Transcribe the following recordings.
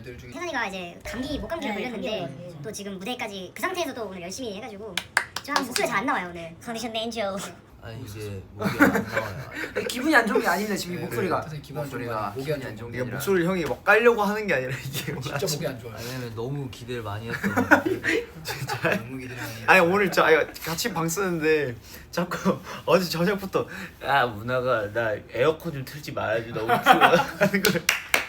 분들 중에 태선이가 이제 목감기를 걸렸는데 또 지금 무대까지 그 상태에서 또 오늘 열심히 해가지고 좀 목소리가 잘 안 나와요 오늘. 컨디션 맨죠. 아니 이게 목이 안 나와요. 기분이 안 좋은 게 아닙니다 지금 이 목소리가. 태선이 기분 안 좋은 거 목소리가 아니고 기분이 안 좋은 게 이게 아니라 목소리를 형이 막 깔려고 하는 게 아니라 이게 진짜 목이 안 좋아요. 왜냐면 너무 기대를 많이 했던. 너무 기대를 많이 아니 오늘 같이 방 쓰는데 자꾸 어제 저녁부터 야 문화가 나 에어컨 좀 틀지 말아줘 너무 추워 하는 걸.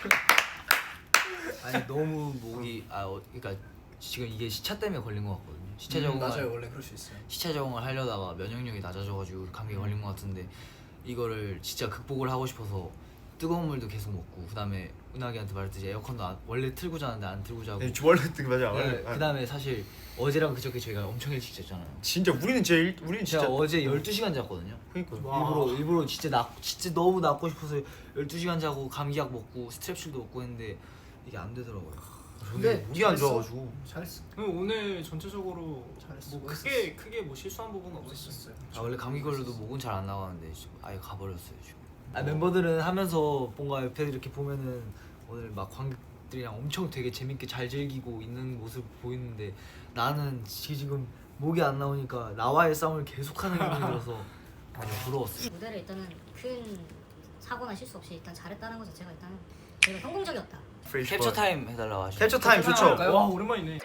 아니 너무 목이 그러니까 지금 이게 시차 때문에 걸린 것 같거든요. 시차 적응을 맞아요. 원래 그럴 수 있어요. 시차 적응을 하려다가 면역력이 낮아져가지고 감기에 걸린 것 같은데 이거를 진짜 극복을 하고 싶어서 뜨거운 물도 계속 먹고 그다음에 은하기한테 말했듯이 에어컨도 원래 틀고 자는데 안 틀고 자고. 원래 맞아. 네, 그다음에 사실 어제랑 그저께 저희가 엄청 일찍 잤잖아요. 진짜 우리는 제가 진짜 어제 12시간 잤거든요. 그러니까 일부러 진짜 너무 낫고 싶어서 12시간 자고 감기약 먹고 스트랩실도 먹고 했는데 이게 안 되더라고요. 근데 목이 안 좋아가지고 잘했어. 오늘 전체적으로 잘했어. 뭐 크게 뭐 실수한 부분은 없었어요. 원래 감기 걸려도 목은 잘 안 나가는데 지금 아예 가버렸어요 지금. 멤버들은 하면서 뭔가 옆에 이렇게 보면은 오늘 막 관객들이랑 엄청 되게 재밌게 잘 즐기고 있는 모습 보이는데 나는 지금 목이 안 나오니까 나와의 싸움을 계속하는 기분이 들어서 부러웠어요. 무대를 일단은 큰 사고나 실수 없이 일단 잘했다는 것 자체가 일단은 저희가 성공적이었다. 캡처 타임 해달라고 하시죠. 캡처 타임 좋죠. 와 오랜만이네.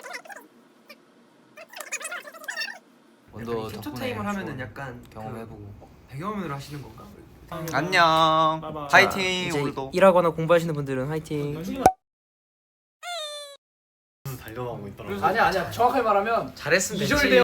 원더 캡처 덕분에 타임을 하면은 좋은 약간 경험해보고 배경화면으로 하시는 건가? 안녕. 바이바이. 파이팅 이제 오늘도. 일하거나 공부하시는 분들은 화이팅. 달려가고 있더라고. 아니야. 정확하게 말하면 잘했으면 이절돼요.